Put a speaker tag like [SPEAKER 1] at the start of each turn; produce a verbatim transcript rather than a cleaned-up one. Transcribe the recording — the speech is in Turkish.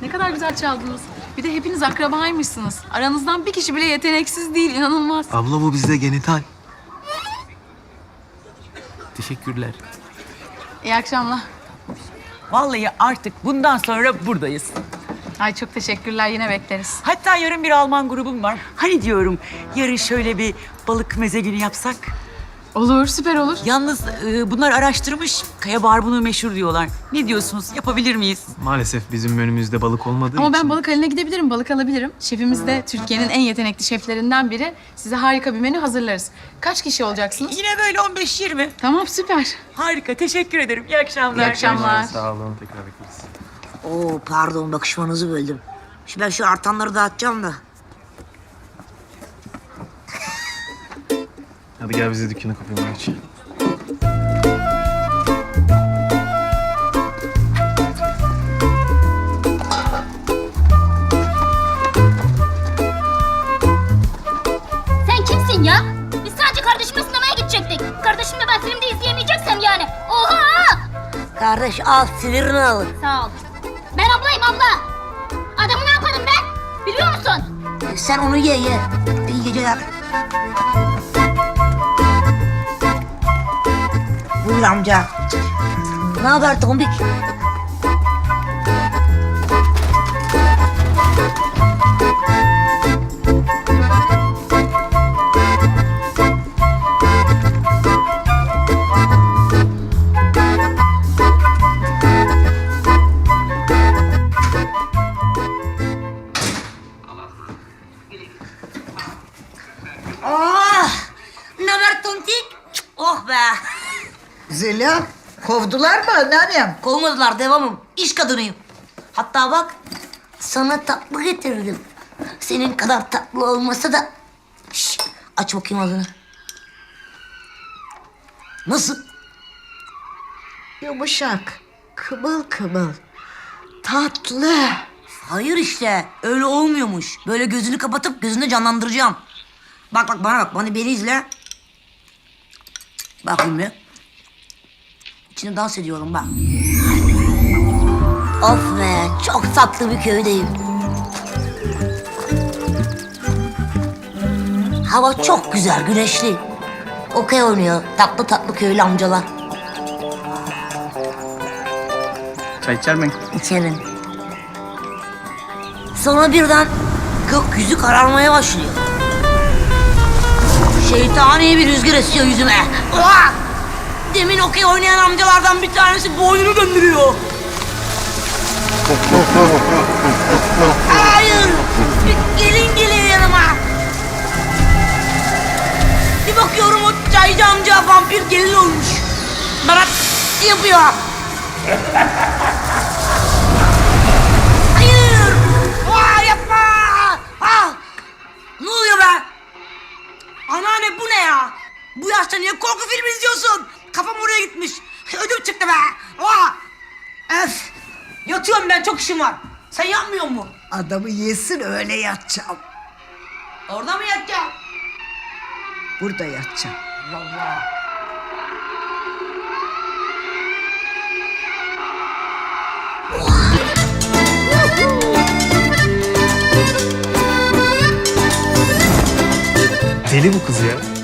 [SPEAKER 1] Ne kadar güzel çaldınız. Bir de hepiniz akrabaymışsınız. Aranızdan bir kişi bile yeteneksiz değil, inanılmaz.
[SPEAKER 2] Abla bu bizde genital. Teşekkürler.
[SPEAKER 1] İyi akşamlar.
[SPEAKER 3] Vallahi artık bundan sonra buradayız.
[SPEAKER 1] Ay çok teşekkürler, yine bekleriz.
[SPEAKER 3] Hatta yarın bir Alman grubum var. Hani diyorum yarın şöyle bir balık meze günü yapsak.
[SPEAKER 1] Olur, süper olur.
[SPEAKER 3] Yalnız e, bunlar araştırmış. Kaya barbunu meşhur diyorlar. Ne diyorsunuz? Yapabilir miyiz?
[SPEAKER 2] Maalesef bizim menümüzde balık olmadığı
[SPEAKER 1] Ama
[SPEAKER 2] için.
[SPEAKER 1] ben balık haline gidebilirim, balık alabilirim. Şefimiz de Türkiye'nin en yetenekli şeflerinden biri. Size harika bir menü hazırlarız. Kaç kişi olacaksınız?
[SPEAKER 3] Yine böyle on beş yirmi.
[SPEAKER 1] Tamam, süper.
[SPEAKER 3] Harika. Teşekkür ederim. İyi akşamlar.
[SPEAKER 1] İyi akşamlar.
[SPEAKER 2] Sağ olun, tekrar bekleriz.
[SPEAKER 4] Oo pardon bakışmanızı böldüm. Şimdi ben şu artanları dağıtacağım da.
[SPEAKER 2] Hadi gel bize dükkanı kapayım aç.
[SPEAKER 5] Sen kimsin ya? Biz sadece kardeşimle sinemaya gidecektik. Kardeşimle ben filmde izleyemeyeceksem yani. Oha!
[SPEAKER 4] Kardeş al sinirini alın.
[SPEAKER 5] Sağ ol. Ben ablayım abla. Adamı ne yaparım ben? Biliyor musun?
[SPEAKER 4] Sen onu ye ye. İyi geceler. Buyur amca. Ne haber tombik? Oh! Ne haber tontik? Oh be!
[SPEAKER 6] Zeliha, kovdular mı anneannem?
[SPEAKER 4] Kovmadılar, devamım. İş kadınıyım. Hatta bak, sana tatlı getirdim. Senin kadar tatlı olmasa da... Şş, aç bakayım ağzını. Nasıl?
[SPEAKER 6] Yumuşak, kıvıl kıvıl, tatlı.
[SPEAKER 4] Hayır işte, öyle olmuyormuş. Böyle gözünü kapatıp gözünü canlandıracağım. Bak bak bana bak, bana beni izle. Bakayım bir. İçine dans ediyorum bak. Of be, çok tatlı bir köydeyim. Hava çok güzel, güneşli. Okey oynuyor tatlı tatlı köylü amcalar.
[SPEAKER 2] Çay içer misin?
[SPEAKER 4] İçerim. Sonra birden gökyüzü kararmaya başlıyor. Şeytani bir rüzgar esiyor yüzüme. Uah! Demin okey oynayan amcalardan bir tanesi boynunu döndürüyor. Hayır! Bir gelin geliyor yanıma. Bir bakıyorum o çaycı amca vampir gelin olmuş. Bana yapıyor. Hayır! Aa, yapma! Ah! Ne oluyor be? Anneanne bu ne ya? Bu yaşta niye korku filmi izliyorsun? Kafam oraya gitmiş. Ödüm çıktı be. Aa! Öf! Yatıyorum ben, çok işim var. Sen yapmıyor mu?
[SPEAKER 6] Adamı yesin öyle yatacağım.
[SPEAKER 4] Orada mı yatacağım?
[SPEAKER 6] Burada yatacağım.
[SPEAKER 4] Vallahi.
[SPEAKER 2] Deli bu kız ya.